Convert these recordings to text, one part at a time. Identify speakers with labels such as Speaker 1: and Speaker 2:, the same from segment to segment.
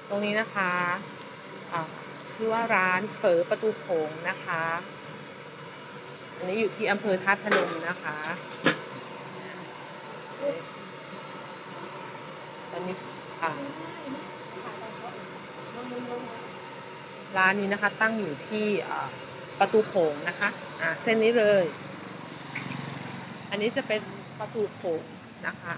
Speaker 1: ตรงนี้นะคะอ่าชื่อว่าร้านเฝอประตูโขงนะคะ อันนี้อยู่ที่อำเภอธาตุพนมนะคะตอนนี้ร้านนี้นะคะตั้งอยู่ที่ประตูโขงนะคะเส้นนี้เลย อันนี้จะเป็นประตูโขงนะคะ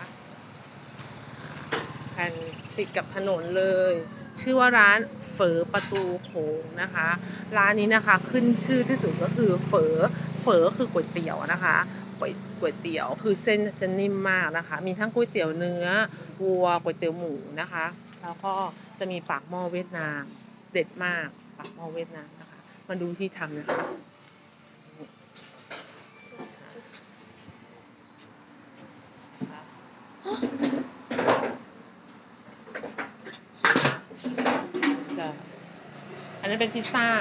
Speaker 1: แผ่นติดกับถนนเลย ชื่อว่าร้านเฝอประตูโขงนะคะ ร้านนี้นะคะขึ้นชื่อที่สุดก็คือเฝอคือก๋วยเตี๋ยวนะคะก๋วยเตี๋ยวคือเส้นจะนิ่มมากนะคะ มีทั้งก๋วยเตี๋ยวเนื้อวัวก๋วยเตี๋ยวหมูนะคะ แล้วก็จะมีปากหม้อเวียดนามเด็ดมากปากหม้อเวียดนามนะคะ มาดูที่ทำนะคะอันนั้นเป็นพิซซ่า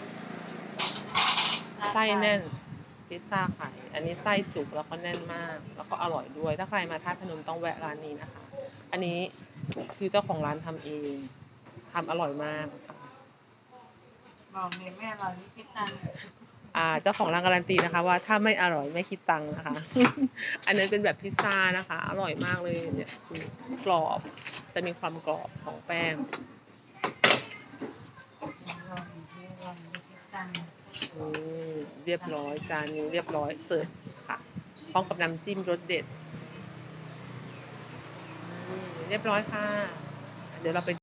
Speaker 1: ไส้แน่นพิซซ่าไข่อันนี้ไส้จุกแล้วก็แน่นมากแล้วก็อร่อยด้วยถ้าใครมาท่าพนมต้องแวะร้านนี้นะคะอันนี้คือเจ้าของร้านทำเองทำอร่อยมาก
Speaker 2: บอกเลยแม่เรานี่คิดตังค์
Speaker 1: เจ้าของร้านการันตีนะคะว่าถ้าไม่อร่อยไม่คิดตังค์นะคะ อันนั้นเป็นแบบพิซซ่านะคะอร่อยมากเลยเนี่ยกรอบจะมีความกรอบของแป้งเรียบร้อยจานนี้เรียบร้อยเสิร์ฟค่ะพร้อมกับน้ำจิ้มรสเด็ดเรียบร้อยค่ะเดี๋ยวเราไป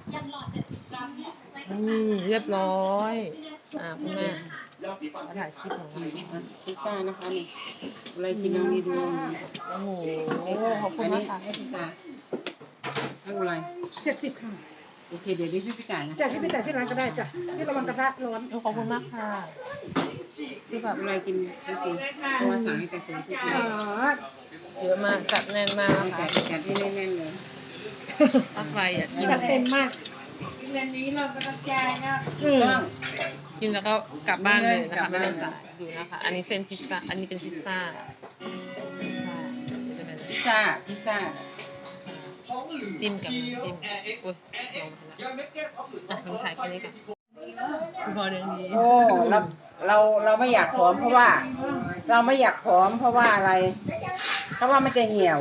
Speaker 1: เรียบร้อยคุณแม่มาถ่ายคลิปของเรา
Speaker 2: พิซซ่านะคะนี่อะไรกินน้องนี่ดู
Speaker 1: โอ้โหขอบคุณมากค่ะ
Speaker 2: ให้พิซซ่าให้อะไร
Speaker 3: 70 ค่ะ
Speaker 2: โอเคเดี๋ยวนี้พี่จ่ายนะ
Speaker 3: จ่ายที่ไปจ่ายที่ร้านก็ได้จ้ะที่ระวังกระทะร้อน
Speaker 1: ขอบคุณมากค่ะ
Speaker 2: คือแบบอะไรกินจริงๆเพราะว่าสั่งให้แต่คนที่กิน
Speaker 1: เยอะมากจัดแน่นมากค่ะ
Speaker 2: จัดที่แน่นๆเลย
Speaker 1: ถ้าใครอยากกิน
Speaker 3: จัดเต็มมาก
Speaker 2: เรื่องนี้เราก็ต้องจ่ายนะ
Speaker 1: กินแล้วก็กลับบ้านเลยนะคะไม่ต้องจ่ายดูนะคะ อันนี้เส้นพิซซ่าอันนี้เป็นพิซซ่า
Speaker 2: พิซซ่า
Speaker 1: จิ้มกับน้ำจิ้มอุ้ยลองมาแล้วคุณถ่ายแค่นี้ก่อนพอเรื่องนี้
Speaker 2: โอ้เราไม่อยากผอมเพราะว่าเราไม่อยากผอมเพราะว่าอะไรเพราะว่ามันจะเหี่ยว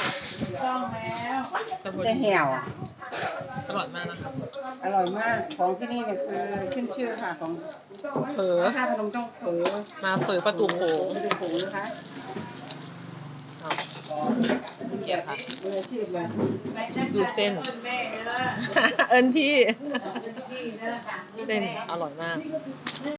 Speaker 2: จะเหี่ยว
Speaker 1: อร่อยมากนะคะ
Speaker 2: อร่อยมากของที่นี่เนี่ยคือขึ้นชื่อค่ะของ
Speaker 1: เฝอ
Speaker 2: ถ้าพนมต้องเฝอ
Speaker 1: มาเฝอประตูโขง
Speaker 2: นะคะ
Speaker 1: เกี๊ยวค่ะ
Speaker 2: ดู
Speaker 1: เส้นเอิญพี่เส้นอร่อยมาก